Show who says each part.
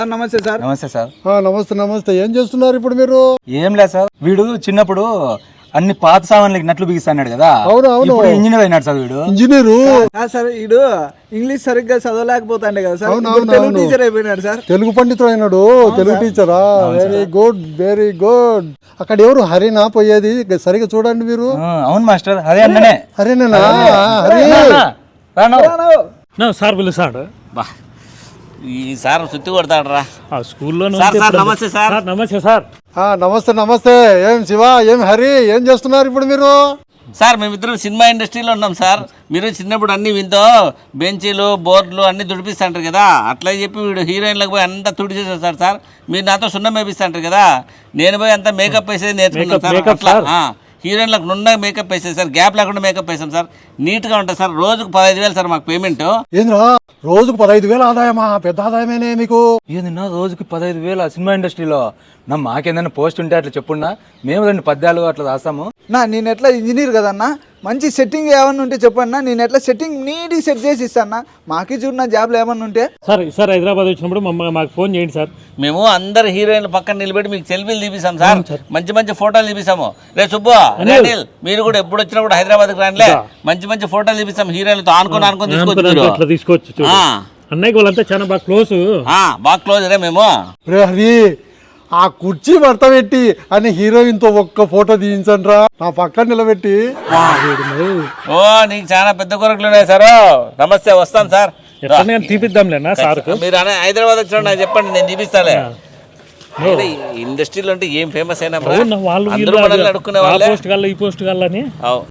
Speaker 1: నమస్తే సార్.
Speaker 2: నమస్తే సార్.
Speaker 3: నమస్తే నమస్తే. ఏం చేస్తున్నారు ఇప్పుడు మీరు?
Speaker 2: ఏం లేదు సార్, వీడు చిన్నప్పుడు అన్ని పాత సామాన్లకి నట్లు బిగిస్తాడు కదా.
Speaker 3: అవును
Speaker 2: ఇంజనీర్ అయినాడు సార్ వీడు.
Speaker 3: Engineer
Speaker 1: sir. వీడు ఇంగ్లీష్ సరిగ్గా చదవలేకపోతాండే కదా సార్. తెలుగు టీచర్ అయిపోయినాడు సార్.
Speaker 3: తెలుగు పండితుడు అయినాడు. తెలుగు టీచరా? Very good very good. అక్కడ ఎవరు హరినా పోయేది? సరిగ్గా చూడండి మీరు.
Speaker 2: అవును మాస్టర్, అదే అన్ననే.
Speaker 3: హరినేనా? హరి
Speaker 4: సార్ పిలుస్తాడు.
Speaker 5: బా ఈ సార్ సుత్తి కొడతాడు రా
Speaker 4: స్కూల్లో.
Speaker 5: నమస్తే సార్.
Speaker 4: నమస్తే సార్.
Speaker 3: నమస్తే నమస్తే. ఏం శివ, ఏం హరి, ఏం చేస్తున్నారు ఇప్పుడు మీరు?
Speaker 5: సార్ మేమిద్దరం సినిమా ఇండస్ట్రీలో ఉన్నాం సార్. మీరు చిన్నప్పుడు అన్ని వింతో బెంచీలు బోర్డులు అన్ని తుడిపిస్తాంటారు కదా, అట్లా చెప్పి వీడు హీరోయిన్లకు పోయి అంతా తుడిచేసేస్తాడు సార్. మీరు నాతో సున్నం వేపిస్తాంటారు కదా, నేను పోయి అంతా మేకప్ వేసేది నేర్చుకున్నాను సార్. అట్లా హీరోయిన్లకు నుండా మేకప్ వేసేది సార్, గ్యాప్ లేకుండా మేకప్ వేసాం సార్. నీట్గా ఉంటుంది సార్. రోజుకు 15,000 సార్ మాకు పేమెంట్.
Speaker 3: ఏంద్రా రోజుకు 15,000 ఆదాయమా? పెద్ద ఆదాయమేనే మీకు.
Speaker 2: ఏందన్నా రోజుకి 15,000 సినిమా ఇండస్ట్రీలో? మాకేదైనా పోస్ట్ ఉంటే అట్లా చెప్పున్నా, మేము 2 పద్యాలు అట్లా రాస్తాము.
Speaker 1: నేను ఎట్లా ఇంజనీర్ కదన్నా, మంచి సెట్టింగ్ ఏమన్నా ఉంటే చెప్పన్నా, నేను ఎట్లా సెట్టింగ్ నీట్ సెట్ చేసి ఇస్తాను. మాకి చూడు జాబ్లో ఏమన్నా ఉంటే.
Speaker 4: సార్ హైదరాబాద్ వచ్చినప్పుడు మాకు ఫోన్ చేయండి సార్.
Speaker 5: మేము అందరు హీరోయిన్ల పక్కన నిలబెట్టి మీకు సెల్ఫీలు తీపిస్తాం సార్. మంచి మంచి ఫోటోలు తీపిస్తాము. రే సుబ్బు, అనిల్, మీరు కూడా ఎప్పుడు వచ్చినా కూడా హైదరాబాద్కి రానిలే, మంచి మంచి ఫోటోలు తీపిస్తాం. హీరోయిన్లతో ఆనుకొని
Speaker 4: తీసుకోవచ్చు. అన్నయ్యకి వాళ్ళంతా చాలా బాగా క్లోజ్.
Speaker 5: బాగా క్లోజ్ రే మేము.
Speaker 3: రే హరి, ఆ కుర్చీ భర్త పెట్టి అని హీరోయిన్ తో ఒక్క ఫోటో తీయించండ్రా నా పక్కన నిలబెట్టి.
Speaker 5: ఓ నీకు చాలా పెద్ద కొరకులు ఉన్నాయి సార్. నమస్తే, వస్తాను సార్.
Speaker 4: తీపిద్దాంలేనా సార్?
Speaker 5: మీరు హైదరాబాద్ వచ్చిన నాకు చెప్పండి, నేను తీపిస్తాలే. ఇండస్ట్రీలో అంటే ఏం ఫేమస్ అయినా
Speaker 4: వాళ్ళు
Speaker 5: అందరూ మనల్ని అడుక్కునే వాళ్ళే.
Speaker 4: ఈ పోస్ట్ కల్లా అని